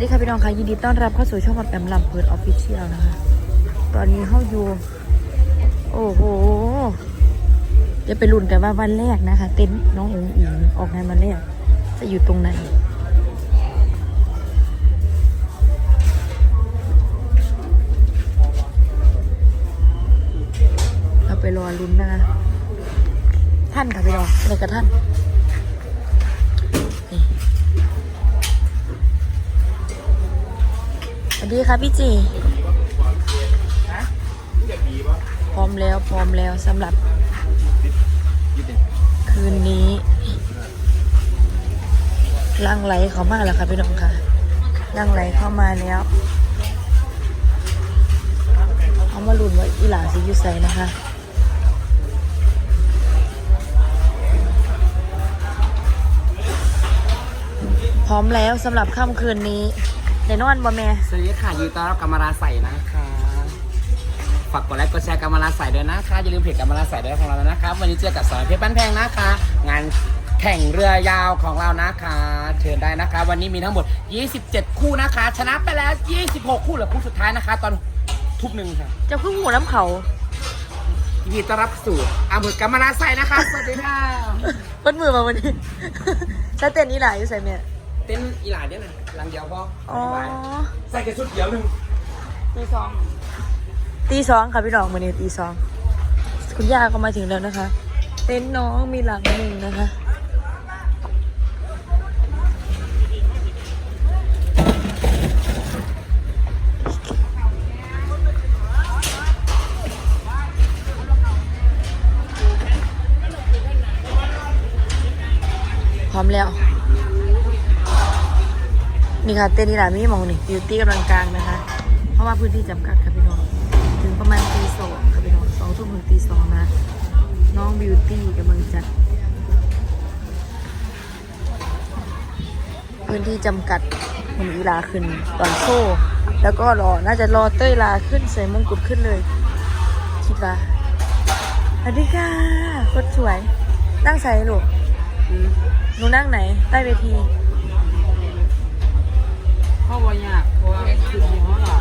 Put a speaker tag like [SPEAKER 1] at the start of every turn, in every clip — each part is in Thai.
[SPEAKER 1] ดีค่ะพี่น้องค่ะยินดีต้อนรับเข้าสู่ช่องแปมลำเพิร์ดออฟฟิเชียลนะคะตอนนี้เข้าอยู่โอ้โหจะไปลุ้นกันว่าวันแรกนะคะเต็นท์น้องอุ๋งอิงออกงานวันแรกจะอยู่ตรงไหนเราไปรอลุ้นนะคะท่านค่ะพี่น้องอะไรกับท่านสวัสดีค่ะพี่จีพร้อมแล้วสำหรับคืนนี้ลังไหลเข้ามาแล้วค่ะพี่น้องค่ะลังไหลเข้ามาแล้วเอามาลุ้นว่าอีหลาสิอยู่ไสนะคะพร้อมแล้วสำหรับค่ำคืนนี้ในนอนบ่แม่
[SPEAKER 2] สวัสดีค่ะยินดีต้อนรับกรรมราใส่นะคะฝากกดไลค์กดแชร์กรรมราใส่ด้วยนะคะอย่าลืมเพจกรรมราใส่ด้วยของเราแล้วนะครับวันนี้เจอกับสอนเพชรบ้านแพงนะคะงานแข่งเรือยาวของเรานะคะเชิญได้นะคะวันนี้มีทั้งหมด27คู่นะคะชนะไปแล้ว26คู่เหลือคู่สุดท้ายนะคะตอนทุ่มหนึ่งค่ะ
[SPEAKER 1] จะพึ่งหัวน้ำเขา
[SPEAKER 2] ยินดีต้อนรับสู่อำเภอกรรมราใส่นะคะสวัสดีค่ะ
[SPEAKER 1] เปิดมือมาวันนี้ใช้เต้นอีหลาอยู่ใส่เมีย
[SPEAKER 2] เต้นอีหลาเนี่ยนะหลังเดียวพอใส่แค่ชุดเดียวหนึ่ง
[SPEAKER 1] ตีสองค่ะพี่น้องวันนี้ตีสองคุณย่าก็มาถึงแล้วนะคะเต็นท์น้องมีหลังหนึ่งนะคะพร้อมแล้วนี่ค่ะเต้นนี่แหละมีมองนี่บิวตี้กำลังกลางนะคะเพราะว่าพื้นที่จำกัดค่ะพี่น้องถึงประมาณตีสองค่ะพี่น้อง2 ทุ่มถึงตี 2นะน้องบิวตี้กำลังจัดพื้นที่จำกัดมันอีลาขึ้นตอนโซ่แล้วก็น่าจะรอเต้ยลาขึ้นใส่มงกุฎขึ้นเลยคิดว่าสวัสดีค่ะคนสวยนั่งใส่ลูกหนูนั่งไหนใต้เวที
[SPEAKER 2] เพราะว่ายากเพราะว่าคือมีห้องหลับ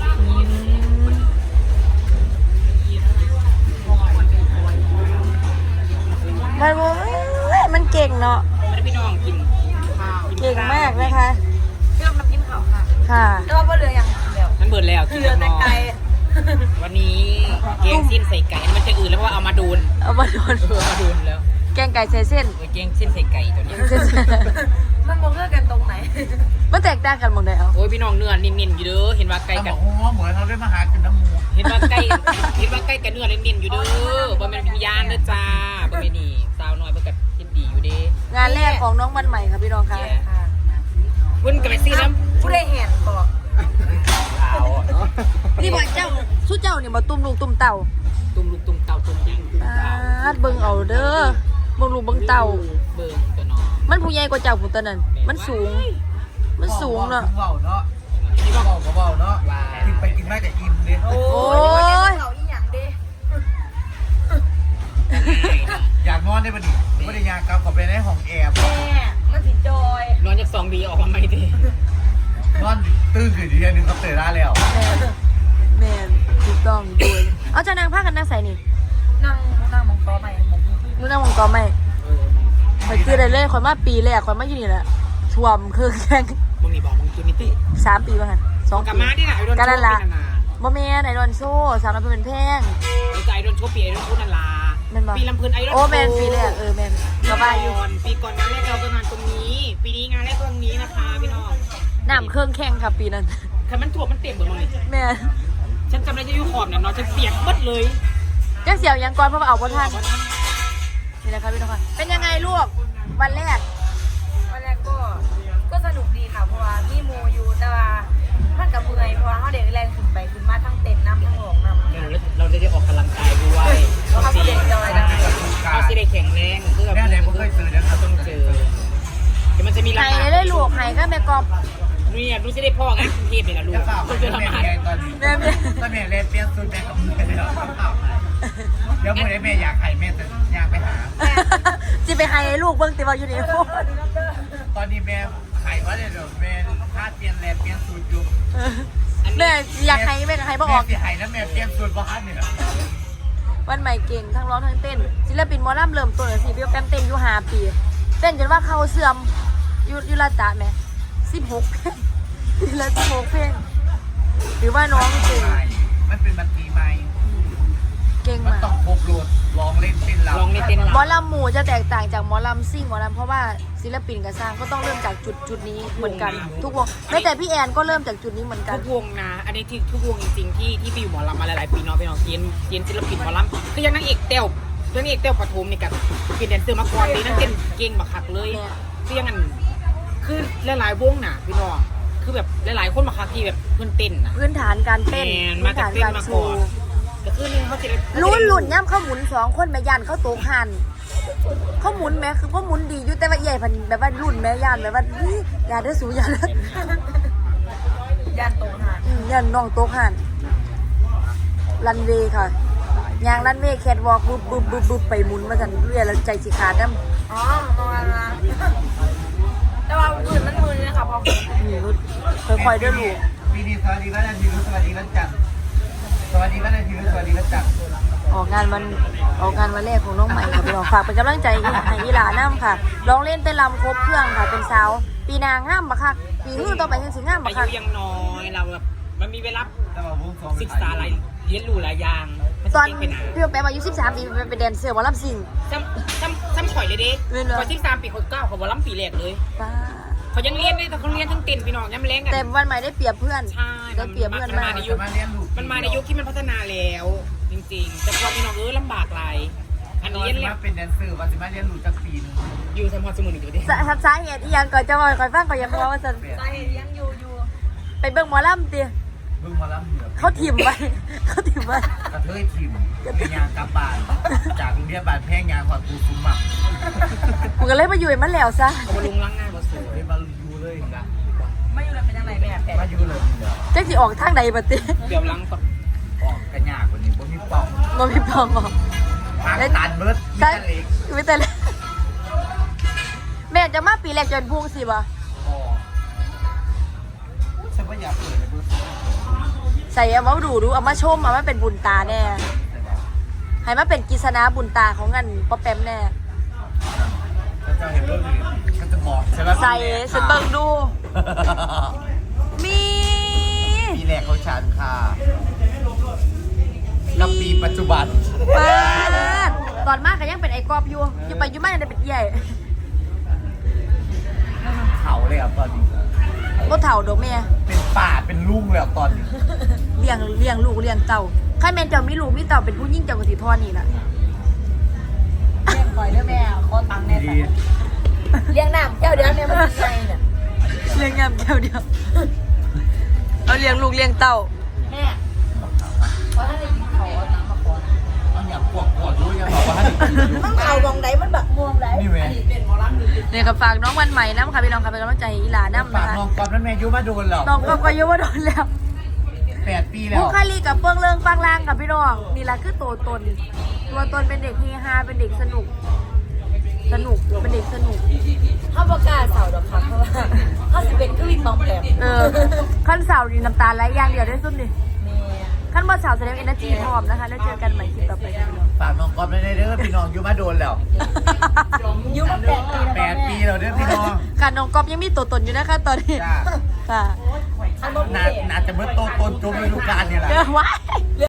[SPEAKER 1] มันเก่งเนาะ
[SPEAKER 2] ไม่ได้พี่น้องกินข้าว
[SPEAKER 1] เก่งมากนะคะ
[SPEAKER 3] พี่ต้องกินข้าวค่ะ
[SPEAKER 1] ค่ะ
[SPEAKER 3] แล้วว่าเรือยังเดียว
[SPEAKER 2] มันเบิดแล้ว
[SPEAKER 3] เรือแต่ไกล
[SPEAKER 2] วันนี้แกงสิ้นใส่ไก่มันจะอื่นแล้วเพราะว่าเอามาดูน
[SPEAKER 1] มา
[SPEAKER 2] ดูนแล้ว
[SPEAKER 1] แกงไก่ใส่เส้น
[SPEAKER 2] แกงสิ้นใส่ไก่ตัวนี้
[SPEAKER 3] มันมองเลือกกันตรงไหน
[SPEAKER 1] มันแตกต่างกันหมดเลยเอา
[SPEAKER 2] โอ้ยพี่น้องเนื้อนิ่มๆอยู่เด้อเห็นว่าไก่กัน
[SPEAKER 4] เหมือนเขาได้มาหากินน้ำมู
[SPEAKER 2] เห็นว่าไก่กับเนื้อนิ่มๆอยู่เด้อบ่แม่นวิญญาณเด้อจ้าบ่แม่นนี่สาวน้อยเพิ่นก็คิดดีอยู่เด้
[SPEAKER 1] งานแรกของน้องวันใหม่ค่ะพี่น้องค่ะ
[SPEAKER 2] เพิ่นก็ไปซื้อน้ำ
[SPEAKER 3] ผู้ได้เห็นบอก
[SPEAKER 1] นี่บ่เจ้าสู้เจ้านี่บ่ตุ้มลูกตุ้มเต่า
[SPEAKER 2] ตุ้มลูกตุ้มเต่าตุ้มยิ่งตุ้มเต่า
[SPEAKER 1] เบิ่งเอาเด้อเบิ่งลูกเบิ่งเต่า
[SPEAKER 2] เบิ่งตัวน้อง
[SPEAKER 1] มันผู้ใหญ่กว่าเจ้าผู้ตัวนั้นมันสูงเนาะ
[SPEAKER 4] เบาเนาะนี่ก็เบาเนาะกินไปกินมาแต่อิ่มเลย
[SPEAKER 1] โอ้
[SPEAKER 3] ยเขาอีหยังดิ
[SPEAKER 4] อยากนอนได้ปะดิไม่ได้อยากกลับขอไปในห้องแอร์
[SPEAKER 3] แม่มันผิดจอย
[SPEAKER 2] นอนจาก2 ปีออกมาไม่ดี
[SPEAKER 4] นอนตื่นขึ้นทีนึงก็เตะได้แล้ว
[SPEAKER 1] แม่ถูกต้องด้วยเอาจะนั่งผ้ากันนั่งใส่นี่
[SPEAKER 3] นั่งมองกอใหม่
[SPEAKER 1] นู่นนั่งมองกอใหม่คอยคือได้เลยคอยมาปีแรกคอยมาอยู่นี่แหละท่วมคือแข่ง
[SPEAKER 2] มึงนี่บอกมึงคือมิติ
[SPEAKER 1] 3 ปีป่ะกัน2 ปี
[SPEAKER 2] กับมาที่ไหน
[SPEAKER 1] กันนั่นละบ่แม่นไอรอนโซ่สาวน้ำเป็นแพง
[SPEAKER 2] ใจไอรอนโชว์ปีไอรอนโชว์นั่นละปีลำเพลินไอรอน
[SPEAKER 1] โอ้แมนปีแรกแมนสบายอยู่
[SPEAKER 2] ปีก่อนงานแรกเราประมาณตรงนี้ปีนี้งานแรกตรงนี้นะคะพี่น้อง
[SPEAKER 1] น้ำเครื่องแข่งค่ะปีนั้น
[SPEAKER 2] คือมันถ่วมมันเต็มหมดเลย
[SPEAKER 1] แม่
[SPEAKER 2] ฉันจำได้จะอยู่ขอบเนี่ยเนาะฉันเปียกเบิดเลย
[SPEAKER 1] จังเสียวยังก่อนเพราะว่าเอาบ่ทันนี่แหละครับพี่น้องค่ะเป็นยังไงลูกวันแรก
[SPEAKER 3] ก็สนุกดีค่ะเพราะว่ามีโมยูแต่ว่าท่านกับเมื่อยเพราะว่าเขาเด็กแรงขึ้นไปขึ้นมาทั้งเต็มน้ำทั้งหอกน้ำ
[SPEAKER 2] เราได้ออกกำลังกายด้วย
[SPEAKER 3] เขาเด็กจอยนะ
[SPEAKER 2] เขาสิได้แข็งแรงคือแบบ
[SPEAKER 4] เนี่ยผมเคยเจอเนี่ย
[SPEAKER 2] ต้องเจอเดี๋ยวมันจะมี
[SPEAKER 1] ไห้ได้ลูกไห้ก็แม่กอบ
[SPEAKER 2] นี่ดูสิได้พ่อไงกรุงเทพเลยนะลูก
[SPEAKER 4] คุณจะทำไงตอนนี้แม่เล่นเปลี่ยนสูตรแม่กับแม่เดี๋ยวเมื่อไรแม่อยากไข่แม่จะอยากไปหา
[SPEAKER 1] จะไปไห้ลูกเบิ่งติว่าอยู่นี่
[SPEAKER 4] ตอนนี้แม่ไข่ว่าเดี๋ยวแม่ถ้าเปลี่ยนแลนเปลี่ยนสูตรอยู่
[SPEAKER 1] แม่อยากให้แม่ก็ให้บ่อ
[SPEAKER 4] แม่
[SPEAKER 1] อก
[SPEAKER 4] สิให้นะแม่เปลี่ยนสูตรบ้านเนี่ย
[SPEAKER 1] วันใหม่เก่งทั้งร้องทั้งเต้นศิลปินหมอลำเริ่มต้นสิพี่แปมเต้นอยู่5 ปีเต้นจนว่าเขาเสื่อมอยู่ละตะแม่16 เพลงทีละ16 เพลงหรือว่าน้องเก่ง
[SPEAKER 4] มันเป็นบัตรีใหม่
[SPEAKER 1] เก่ง
[SPEAKER 4] มัน
[SPEAKER 1] มาก
[SPEAKER 4] ต้องครบรถลองเล่นเต้นรำ
[SPEAKER 2] ลองในเต้น
[SPEAKER 1] หมอ
[SPEAKER 2] รำ
[SPEAKER 1] ลำหมู่จะแตกต่างจากหมอลำซิ่งหมอลำเพราะว่าศิลปินกับสร้างก็ต้องเริ่มจากจุดนี้เหมือนกันทุกวงแม้แต่พี่แอนก็เริ่มจากจุดนี้เหมือนกัน
[SPEAKER 2] ทุกวงนะอันนี้ที่ทุกวงจริงๆที่ไปอยู่หมอลำมาหลายๆปีเนาะไปเนาะเกียนศิลปินหมอลำคือยังนางเอกเต้วปฐมนี่กับเป็นแดนเซอร์มาก่อนดีนั่งเต้นเก่งบักคักเลยคือยังงั้นคือหลายๆวงน่ะพี่น้องคือแบบหลายๆคนมาคักที่แบบเพื่อนเต้นน่ะ
[SPEAKER 1] พื้นฐานการเต้น
[SPEAKER 2] แม่น
[SPEAKER 1] พื้
[SPEAKER 2] มาน จาก
[SPEAKER 1] ฐาน
[SPEAKER 2] เต้น
[SPEAKER 1] การ
[SPEAKER 2] มา
[SPEAKER 1] โช
[SPEAKER 2] ก่อน
[SPEAKER 1] ว์
[SPEAKER 2] ก็คือนี่เขาจะได้
[SPEAKER 1] รุ่นย่ำเขาหมุน2 คนแม่ยันเขาโตกหันเขาหมุนแม่คือเขาหมุนดีอยู่แต่ว่าใหญ่พันแบบว่ารุ่นแม่ยันแบบว่าอย่าได้สูอย่าได้
[SPEAKER 3] ย่านโตหาน
[SPEAKER 1] ยันน้องโตกหันรันเวย์ค่ะยางรันเวย์แคทวอล์กบึบไปหมุนมากันเรื่อยแล้วใจสิขาดน้ำ
[SPEAKER 3] อ๋อประมาณนั้นแต่ว่าอื่นมันมือเลยค่ะพอ
[SPEAKER 1] ค่อยๆเดินลูก
[SPEAKER 4] ปีนี้สวัสดีวันอาทิตย์สวัสดีวันจันทร์สวัสดีวันอาทิตย์สวัสดีวันจันทร์
[SPEAKER 1] ออกงานวันแรกของน้องใหม่ค่ะพี่น้องฝากเป็นกำลังใจให้อีหลาน้ำค่ะร้องเล่นเต้นรำครบเครื่องค่ะเป็นสาวปีนางงามบักคักปีหื้อต่อไปยังสิงามบั
[SPEAKER 2] อาก
[SPEAKER 1] คั
[SPEAKER 2] ยุ
[SPEAKER 1] ก
[SPEAKER 2] ยังน้อยเราแบบมันมีเวลา
[SPEAKER 4] แต่ว่าวงสอง
[SPEAKER 2] ศึกษาอะไรเรียนรู้หลายอย่างมัน
[SPEAKER 1] ตอน
[SPEAKER 2] เก่งไปหนา
[SPEAKER 1] พี่แป๊บอายุ13 ปีเป็นแดนเซอร์หมอลำซิ่ง
[SPEAKER 2] ซ้ำข่อยเลยเด้
[SPEAKER 1] เรียนเหรอ
[SPEAKER 2] พอ13 ปีคน9เขาบอกล้ำปีแรกเลย
[SPEAKER 1] ป้า
[SPEAKER 2] เขายังเรียนได้แต่เขาเรียนทั้งเต้นพี่น้องย้ำแรงกัน
[SPEAKER 1] แต่วันใหม่ได้เปรียบเพื่อน
[SPEAKER 2] ใช่
[SPEAKER 1] ได้เปรียบเพื่อนมาก
[SPEAKER 2] ใน
[SPEAKER 4] จะ
[SPEAKER 2] ยุค
[SPEAKER 4] มาเรียนรู้
[SPEAKER 2] มันมาในยุคที่มันพัฒนาแล้ว จริงๆ แต่พอพี่น้องลำบากหลายอัน
[SPEAKER 4] ต
[SPEAKER 2] นี้
[SPEAKER 4] อน
[SPEAKER 2] เรียน
[SPEAKER 4] ที่
[SPEAKER 2] แล้
[SPEAKER 4] มาว เป็นแดนเซอร์ว่าจะมาเรียนรู้จากปีนึง
[SPEAKER 2] อยู่ทำพอสมุนอยู่ดิ
[SPEAKER 1] สาเหตุอีหยังก่อนจะบอกก่อนฟังก่อนอยังบอกว่าจะ
[SPEAKER 3] สาเหตุยังอยู่
[SPEAKER 1] ไปเบิ่งหมอลำตี
[SPEAKER 4] เพิ่งมาล้ำเหนือ
[SPEAKER 1] เขาถิ่มไว้ เขาถิ่มไว้
[SPEAKER 4] กระเทยทิมเป็นยางกลับบ้านจากโรงเรียนบ้านแพงยางขอดปูซุ้มหมัก
[SPEAKER 1] กูก็เลยมาอยู่ให้มันแล้วซะ
[SPEAKER 2] เขามาลุงล้างหน้ามาสวย
[SPEAKER 4] เลยมาอยู่เลยนะ
[SPEAKER 3] ไม่อยู่เลยเป็นยังไงแม่แต่
[SPEAKER 4] มาอยู่เลยเดี๋ยว
[SPEAKER 1] จักสิออกทางใดบัดติ
[SPEAKER 2] เดี๋ยวล้างก่อน
[SPEAKER 4] ออกกันยากกว่านี้เพราะมีป่อง
[SPEAKER 1] บ่มีปองออก
[SPEAKER 4] ทางตันเบิร์ดมี
[SPEAKER 1] ใช่
[SPEAKER 4] แต่เล็ก
[SPEAKER 1] ไม่แต่เลยแม่จะมาปีแรกจนพุ่งสิบ่
[SPEAKER 4] อ๋อฉันว่าอยากเปิดเลยเบิร์ด
[SPEAKER 1] ใส่เอามาดูเอามาชมเอามาเป็นบุญตาแน่
[SPEAKER 4] แต่ว่า
[SPEAKER 1] ให้มาเป็นกิษณาบุญตาของงันป๊อปแปมแน่
[SPEAKER 4] ถ้าจะเห็นเบิร์ดเลยก็จะบอกใช่ไหม
[SPEAKER 1] ใส่สเบิงดู มี
[SPEAKER 4] ปีแรกเขาชันค่ะกับปีปัจจุบัน
[SPEAKER 1] ปาดตอนมากก็ยังเป็นไอ้กอบอยู่ไปอยู่มายังได้เป็นใหญ่
[SPEAKER 4] เขาเลยอ่ะตอนนี้
[SPEAKER 1] บ่เฒ่าดอกแม่
[SPEAKER 4] เป็นป่าเป็นลุงเลยอ่ะตอนนี้
[SPEAKER 1] เลี้ยงลูกเลี้ยงเต่าคันแม่นเจ้ามีลูกมีเต่าเป็นผู้หญิงเจ้าก็สิทอดนี่ล่ะ
[SPEAKER 3] เลี้ยงก่อยเด้อแม่ขอตังค์แน่
[SPEAKER 4] ดี
[SPEAKER 3] แต่เลี้ยงน้ำแก้วเดียวแม่มันยังไงเนี่ย
[SPEAKER 1] เลี้ยงงามเดียวเอาเลี้ยงลูกเลี้ยงเต่า
[SPEAKER 3] แม่เพราะถ้าได้กินเขาเอาตังค์มาก่อน
[SPEAKER 4] มันอยากปวดรู้ยังบอกว่าให้กินอยู่
[SPEAKER 3] มันเอาวงไหนมันแบบม่วงไหน
[SPEAKER 4] นี่แม่
[SPEAKER 1] เนี่ยก็ฝากน้องวันใหม่น้ำค่ะพี่น้องค่ะเป็นกำลังใจให้อีหลาน้ำ
[SPEAKER 4] ปา
[SPEAKER 1] นะ
[SPEAKER 4] ก
[SPEAKER 1] คะ
[SPEAKER 4] น้องกอบนั้นแม่ยุมาโดนหรอก
[SPEAKER 1] น้องก็อายุว่าโดนแล้ว
[SPEAKER 4] 8 ปีแล้ว
[SPEAKER 1] ผู้คาลีกับเปื้องเรื่องปังล่างกับพี่น้องนี่แหละคือตัวตนเป็นเด็กเฮฮาเป็นเด็กสนุกเป็นเด็กสนุก
[SPEAKER 3] ถ้าประกล้าศเสาดอกค่ะเพราะว่าถ้าสิเป็นก็วิ่งมองแปลก
[SPEAKER 1] ขั้นเสาร์นี่น้ำตาไหลอย่างเดียวได้สุดดิ
[SPEAKER 3] แม่
[SPEAKER 1] ขั้นบอสาวแสดงเอเนอร์จีพร้อมนะคะแล้วเจอกันใหม่คลิปต่อไปค่ะพี่น้อง
[SPEAKER 4] ฝากน้องกอบนั้นเด้อพี่น้องยุมาโดนแล้ว
[SPEAKER 3] อยุ่มา8 ปีแล้ว
[SPEAKER 4] 8 ปีแล้วเด้อพี่น้อง
[SPEAKER 1] การน้องก๊อฟยังมีตัวตนอยู่นะคะตอนนี้
[SPEAKER 4] จ้า
[SPEAKER 1] ค่ะ
[SPEAKER 3] อันบ่มี
[SPEAKER 4] น่าจะเมื่อโตตนจมฤดูกาลนี่แหละ
[SPEAKER 1] เจอไว้